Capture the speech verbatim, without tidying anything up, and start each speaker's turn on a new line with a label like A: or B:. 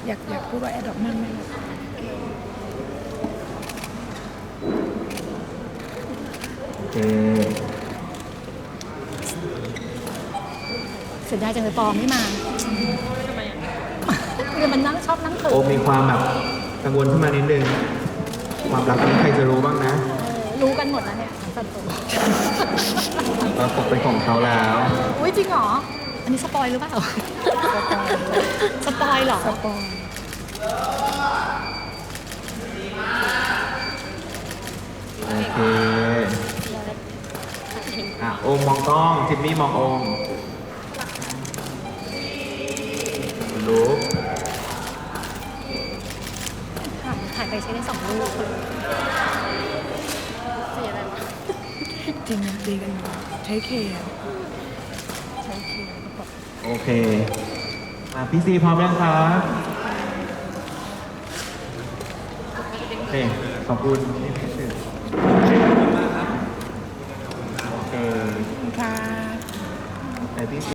A: อยากอยากพูดว่าแอดดอกมั่นไหมลูก
B: โอเค
C: เสียดายจังเลยปอไม่มาทำไมเดี๋ยวมันนั่งชอบนั่งเขิน
B: โอมมีความแบบกังวลขึ้นมานิดนึงความรักนี้ใครจะรู้บ้างนะ
C: รู้กันหมดแล้วเนี่ยสันตุ
B: เราตกเป็นของเขาแล้ว
C: อุ้ยจริงเหรอ อันนี้สปอยหรือเปล่า สปอยเหรอ
A: สปอย
B: โอเคอ่ะโอมมองกล้องจิมมี่มองโอมรู้
C: ถ่ายถ่ายไปใช้ได้สองรูปสีอะไรวะ
A: จริงดีกันอยู่ใช้เคใช้เคก็บอก
B: โอเคมาพี่ซีพร้อมยังครับโอเคขอบคุณนี่พี่ซีโอเค
A: ค่ะ
B: แต่พี่ซี